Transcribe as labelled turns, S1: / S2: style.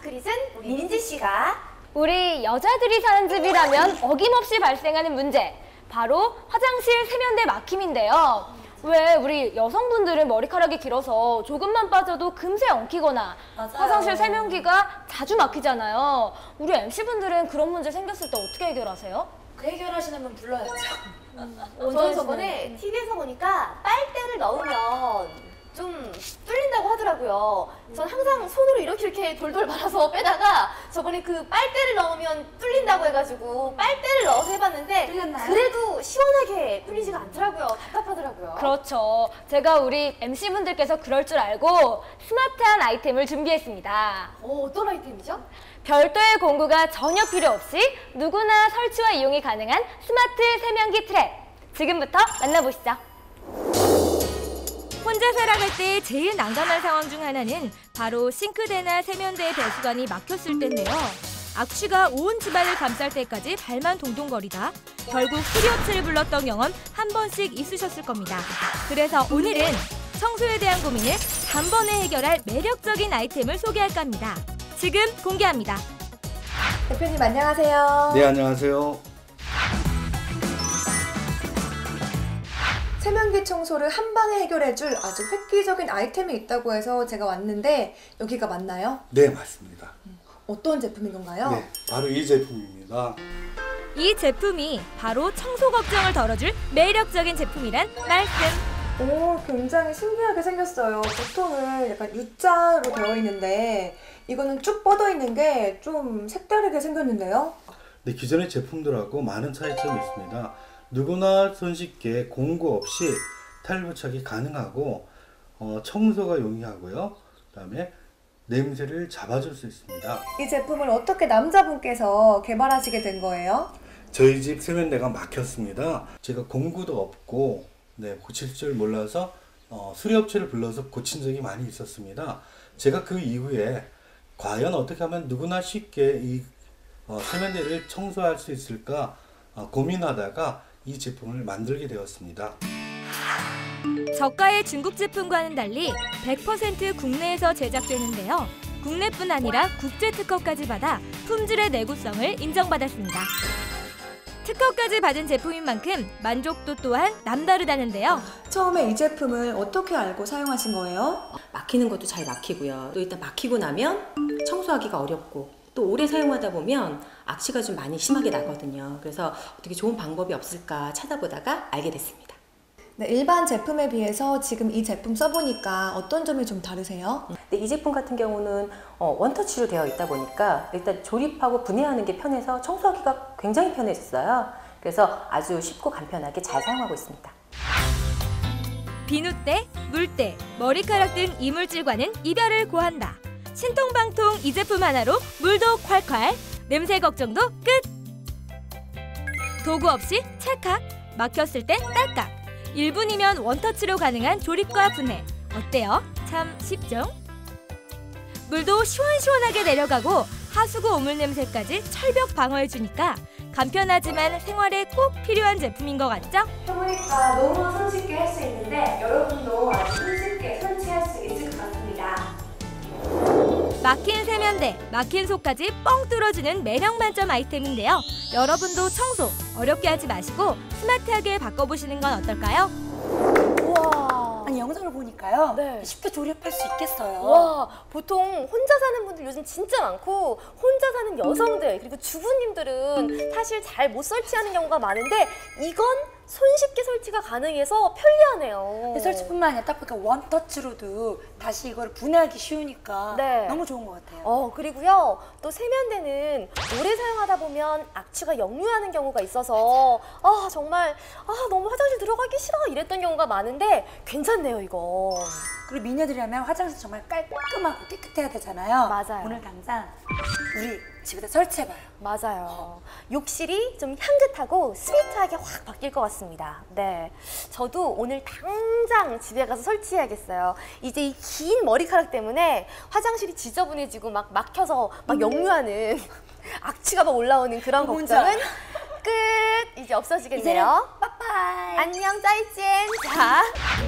S1: 시크릿은 우리 민지 씨가
S2: 우리 여자들이 사는 집이라면 어김없이 발생하는 문제, 바로 화장실 세면대 막힘인데요. 왜 우리 여성분들은 머리카락이 길어서 조금만 빠져도 금세 엉키거나
S1: 맞아요.
S2: 화장실 세면기가 자주 막히잖아요. 우리 MC분들은 그런 문제 생겼을 때 어떻게 해결하세요?
S1: 그 해결하시려면 불러야죠.
S2: 언제
S1: 저는 저번에 TV에서 보니까 빨대를 넣으면 좀 뚫린다고 하더라고요. 전 항상 손으로 이렇게 돌돌 말아서 빼다가 저번에 그 빨대를 넣으면 뚫린다고 해가지고 빨대를 넣어서 해봤는데
S3: 뚫렸나요?
S1: 그래도 시원하게 뚫리지가 않더라고요. 답답하더라고요.
S2: 그렇죠. 제가 우리 MC분들께서 그럴 줄 알고 스마트한 아이템을 준비했습니다.
S1: 어떤 아이템이죠?
S2: 별도의 공구가 전혀 필요 없이 누구나 설치와 이용이 가능한 스마트 세면기 트랩. 지금부터 만나보시죠. 혼자 살아갈 때 제일 난감한 상황 중 하나는 바로 싱크대나 세면대의 배수관이 막혔을 때인데요. 악취가 온 집안을 감쌀 때까지 발만 동동거리다 결국 수리업체를 불렀던 경험 한 번씩 있으셨을 겁니다. 그래서 오늘은 청소에 대한 고민을 단번에 해결할 매력적인 아이템을 소개할까 합니다. 지금 공개합니다.
S3: 대표님 안녕하세요.
S4: 네, 안녕하세요.
S3: 세면기 청소를 한 방에 해결해줄 아주 획기적인 아이템이 있다고 해서 제가 왔는데 여기가 맞나요?
S4: 네, 맞습니다.
S3: 어떤 제품인 건가요?
S4: 네, 바로 이 제품입니다.
S2: 이 제품이 바로 청소 걱정을 덜어줄 매력적인 제품이란 말씀.
S3: 오, 굉장히 신기하게 생겼어요. 보통은 약간 U자로 되어 있는데 이거는 쭉 뻗어 있는 게 좀 색다르게 생겼는데요?
S4: 네, 기존의 제품들하고 많은 차이점이 있습니다. 누구나 손쉽게 공구 없이 탈부착이 가능하고 청소가 용이하고요. 그다음에 냄새를 잡아줄 수 있습니다.
S3: 이 제품을 어떻게 남자분께서 개발하시게 된 거예요?
S4: 저희 집 세면대가 막혔습니다. 제가 공구도 없고 고칠 줄 몰라서 수리업체를 불러서 고친 적이 많이 있었습니다. 제가 그 이후에 과연 어떻게 하면 누구나 쉽게 이 세면대를 청소할 수 있을까 고민하다가 이 제품을 만들게 되었습니다.
S2: 저가의 중국 제품과는 달리 100% 국내에서 제작되는데요. 국내뿐 아니라 국제 특허까지 받아 품질의 내구성을 인정받았습니다. 특허까지 받은 제품인 만큼 만족도 또한 남다르다는데요.
S3: 처음에 이 제품을 어떻게 알고 사용하신 거예요?
S5: 막히는 것도 잘 막히고요. 또 일단 막히고 나면 청소하기가 어렵고 또 오래 사용하다 보면 악취가 좀 많이 심하게 나거든요. 그래서 어떻게 좋은 방법이 없을까 찾아보다가 알게 됐습니다.
S3: 네, 일반 제품에 비해서 지금 이 제품 써보니까 어떤 점이 좀 다르세요?
S5: 근데 이 제품 같은 경우는 원터치로 되어 있다 보니까 일단 조립하고 분해하는 게 편해서 청소하기가 굉장히 편해졌어요. 그래서 아주 쉽고 간편하게 잘 사용하고 있습니다.
S2: 비누때, 물때, 머리카락 등 이물질과는 이별을 고한다. 신통방통 이 제품 하나로 물도 콸콸, 냄새 걱정도 끝! 도구 없이 찰칵, 막혔을 땐 딸깍, 1분이면 원터치로 가능한 조립과 분해. 어때요? 참 쉽죠? 물도 시원시원하게 내려가고 하수구 오물 냄새까지 철벽 방어해주니까 간편하지만 생활에 꼭 필요한 제품인 것 같죠?
S3: 해보니까 너무 손쉽게 할 수 있는데 여러분도 아주 손쉽게 설치할 수 있을 것 같습니다.
S2: 막힌 세면대, 막힌 속까지 뻥 뚫어주는 매력 만점 아이템인데요. 여러분도 청소 어렵게 하지 마시고 스마트하게 바꿔보시는 건 어떨까요?
S1: 우와.
S6: 아니 영상을 보니까요.
S1: 네.
S6: 쉽게 조립할 수 있겠어요.
S1: 와, 보통 혼자 사는 분들 요즘 진짜 많고 혼자 사는 여성들 그리고 주부님들은 사실 잘 못 설치하는 경우가 많은데 이건 손쉽게 설치가 가능해서 편리하네요.
S6: 근데 설치뿐만 아니라 딱 보니까 원터치로도 다시 이걸 분해하기 쉬우니까
S1: 네.
S6: 너무 좋은 것 같아요.
S1: 그리고요 또 세면대는 오래 사용하다 보면 악취가 역류하는 경우가 있어서 정말 너무 화장실 들어가기 싫어 이랬던 경우가 많은데 괜찮네요 이거.
S6: 그리고 미녀들이라면 화장실 정말 깔끔하고 깨끗해야 되잖아요.
S1: 맞아요.
S6: 오늘 당장 우리 집에다 설치해봐요.
S1: 맞아요. 욕실이 좀 향긋하고 스위트하게 확 바뀔 것 같습니다. 네, 저도 오늘 당장 집에 가서 설치해야겠어요. 이제 이 긴 머리카락 때문에 화장실이 지저분해지고 막 막혀서 막 역류하는 악취가 막 올라오는 그런
S6: 뭔지
S1: 걱정은 끝! 이제 없어지겠네요.
S6: 빠빠이.
S1: 안녕 짜이찐. 자.